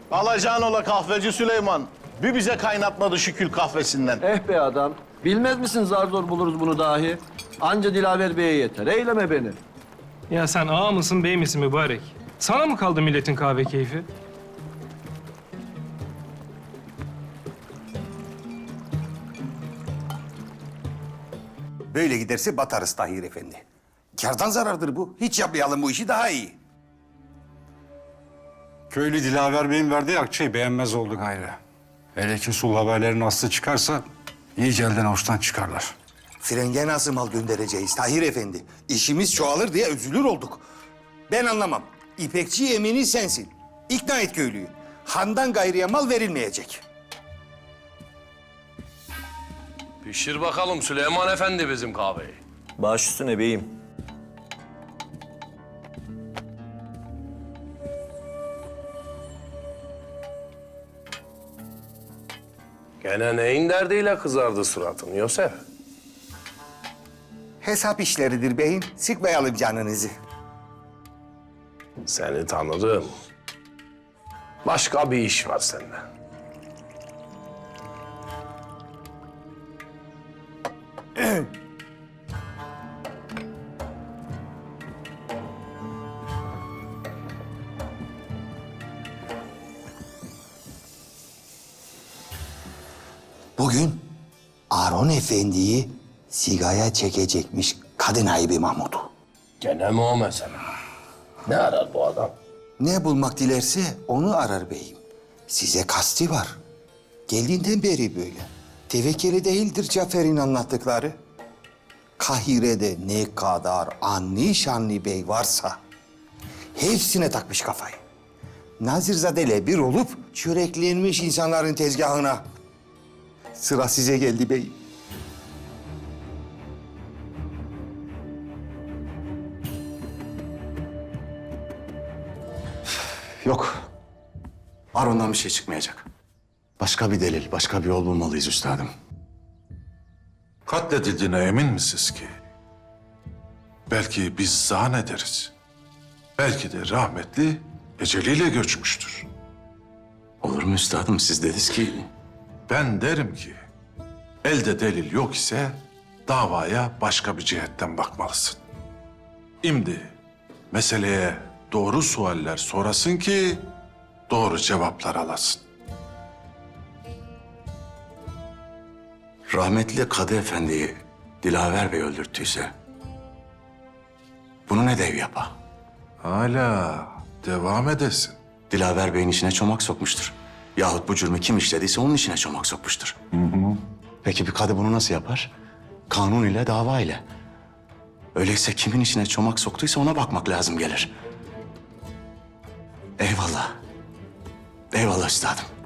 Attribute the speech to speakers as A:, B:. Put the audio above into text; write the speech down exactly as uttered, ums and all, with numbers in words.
A: Alacağın ola kahveci Süleyman. Bir bize kaynatmadı şu kül kahvesinden.
B: Eh be adam. Bilmez misin zar zor buluruz bunu dahi. Anca Dilaver Bey'e yeter. Eyleme beni.
C: Ya sen ağa mısın bey misin mübarek? Sana mı kaldı milletin kahve keyfi?
D: Böyle giderse batarız Tahir Efendi. Kârdan zarardır bu. Hiç yapmayalım bu işi, daha iyi.
E: Köylü Dilaver Bey'in verdiği akçeyi beğenmez oldu gayrı. Hele ki sul haberlerin aslı çıkarsa iyice elden avuçtan çıkarlar.
D: Frenge nasıl mal göndereceğiz Tahir Efendi? İşimiz çoğalır diye üzülür olduk. Ben anlamam. İpekçi emini sensin. İkna et köylüyü. Handan gayrıya mal verilmeyecek.
F: Pişir bakalım Süleyman Efendi bizim kahveyi.
G: Baş üstüne beyim.
F: Gene neyin derdiyle kızardı suratın Yosef?
D: Hesap işleridir beyim. Sıkmayalım canınızı.
F: Seni tanırım. Başka bir iş var sende.
D: Bugün Aron Efendi'yi sigaya çekecekmiş kadın ayıbı Mahmud'u.
F: Gene mi o mesele? Ne arar bu adam?
D: Ne bulmak dilerse onu arar beyim. Size kasti var. Geldiğinden beri böyle. Tevekkeli değildir Cafer'in anlattıkları. Kahire'de ne kadar anni şanlı bey varsa hepsine takmış kafayı. Nazirzade'yle bir olup çöreklenmiş insanların tezgahına. Sıra size geldi beyim.
H: Yok. Aron'dan bir şey çıkmayacak. Başka bir delil, başka bir yol bulmalıyız üstadım.
I: Katledildiğine emin misiniz ki? Belki biz zannederiz. Belki de rahmetli eceliyle göçmüştür.
H: Olur mu üstadım? Siz dediniz ki...
I: Ben derim ki elde delil yok ise davaya başka bir cihetten bakmalısın. Şimdi meseleye doğru sualler sorasın ki doğru cevaplar alasın.
H: Rahmetli Kadı Efendi'yi Dilaver Bey öldürttüyse... bunu ne dev yapa?
I: Hala devam edesin.
H: Dilaver Bey'in içine çomak sokmuştur. Yahut bu cürmü kim işlediyse onun içine çomak sokmuştur. Hı hı. Peki bir kadı bunu nasıl yapar? Kanun ile, dava ile. Öyleyse kimin içine çomak soktuysa ona bakmak lazım gelir. Eyvallah. Eyvallah üstadım.